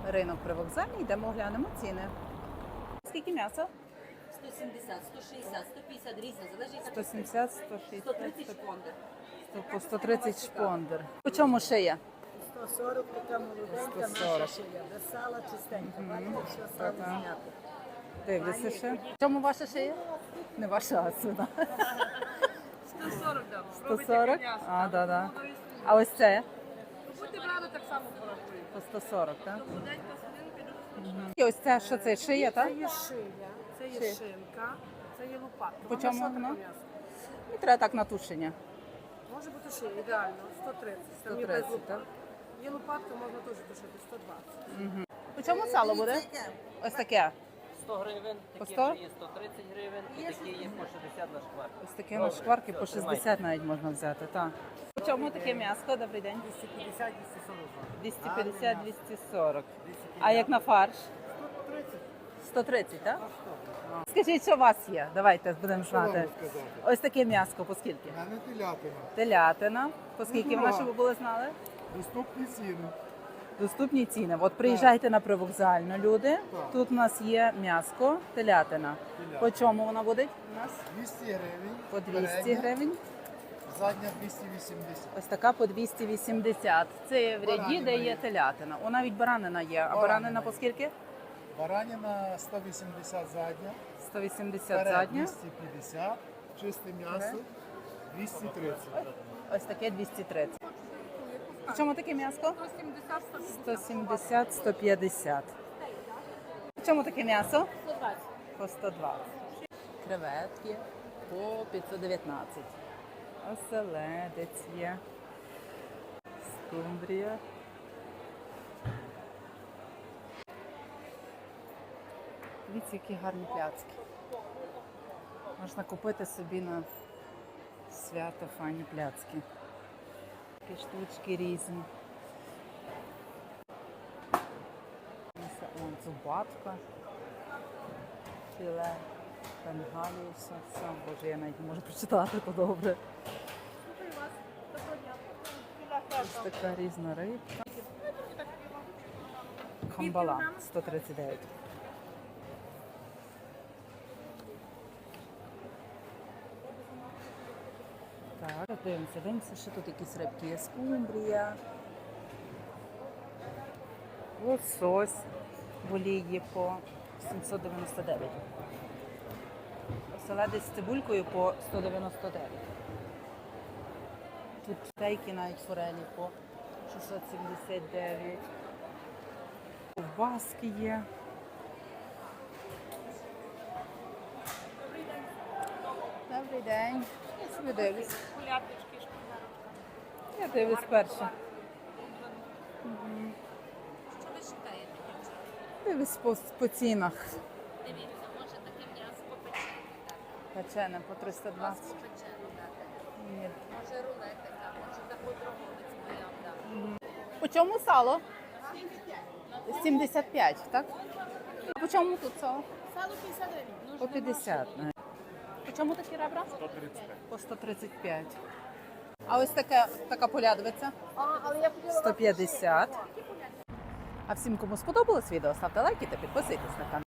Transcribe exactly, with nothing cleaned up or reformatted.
Ринок привокзальний, йдемо глянемо ціни. Скільки м'яса? сто сімдесят, сто шістдесят, сто п'ятдесят різно, залежить сто сімдесят, сто шістдесят, сто тридцять шпондер. по сто тридцять шпондер. По чому шия? сто сорок така молоденька, сто сорок. наша шия. Без сала чистенька. Бачите, все сало Так. знято. Дивлюся ще. В чому ваша шия? Не ваша, а сюди. сто сорок дам. сто сорок? А, да, да. А ось це? Будьте брали, так само порахую. По сто сорок, так? Молоденька свининка. І ось це, що це, шия, так? Це є шия, це є Шия. шинка, це є лопатка. По Вона чому що таке воно? м'ясо? І треба так на тушення. Може бути шия, ідеально, сто тридцять. Там сто є без тридцять, лопатки. так? Є лопатка, можна теж тушити, сто двадцять. По чому сало буде? Ось таке. сто гривень, По такі сто? вже є сто тридцять гривень, і такі є по шістдесят на шквар. Ось таке на шкварки по шістдесят навіть можна взяти, так. По чому таке м'ясо? Добрий день. двісті п'ятдесят - двісті сорок. двісті п'ятдесят - двісті сорок. А як на фарш? сто тридцять. сто тридцять, так? Скажіть, що у вас є? Давайте будемо знати. Ось таке м'ясо, по скільки? А не телятина. Телятина. По скільки вона, щоб ви були знали? Доступні ціни. Доступні ціни. От приїжджайте на привокзальну, люди. Тут у нас є м'яско, телятина. По чому вона буде у нас? двісті гривень. По двісті передня, гривень. Задня двісті вісімдесят. Ось така по двісті вісімдесят. Це в ряді, Баранина де є є. телятина. О, навіть баранина є. А Баранина баранина по є. скільки? Бараніна сто вісімдесят задня. сто вісімдесят Перед задня. двісті п'ятдесят. Чисте м'ясо двісті тридцять. Ось таке двісті тридцять. По чому таке м'ясо? сто сімдесят - сто п'ятдесят. По чому таке м'ясо? По сто двадцять. Креветки по п'ятсот дев'ятнадцять. Оселедець є. Скумбрія. Дивіться, які гарні пляцки. Можна купити собі на свято файні пляцки. Такі штучки різні. Вон зубатка, філе, бенгалівса. Все, боже, я навіть не можу прочитати, то добре. Ось така різна рибка. Камбала сто тридцять дев'ять. Так, дивимося, дивимося, що тут якісь рибки є. Скумбрія, лосось в олії по сімсот дев'яносто дев'ять. Оселедець з цибулькою по сто дев'яносто дев'ять. Тут стейки навіть форелі по шістсот сімдесят дев'ять. Ковбаски є. Добрий день. Я собі дивлюсь. Я дивлюсь перше. Що ви шукаєте? Дивлюсь по, по цінах. Дивіться, може таке м'ясо попечене дати. Печене по триста двадцять. Попечене дати. Ні. Може рулетика, може таку дроговець моя дам. По чому сало? сімдесят п'ять, так? А по чому тут сало? Сало п'ятдесят гривень. По п'ятдесят. По чому такі ребра? сто тридцять п'ять. По сто тридцять п'ять. А ось така, така полядвиця? сто п'ятдесят. А всім, кому сподобалось відео, ставте лайки та підписуйтесь на канал.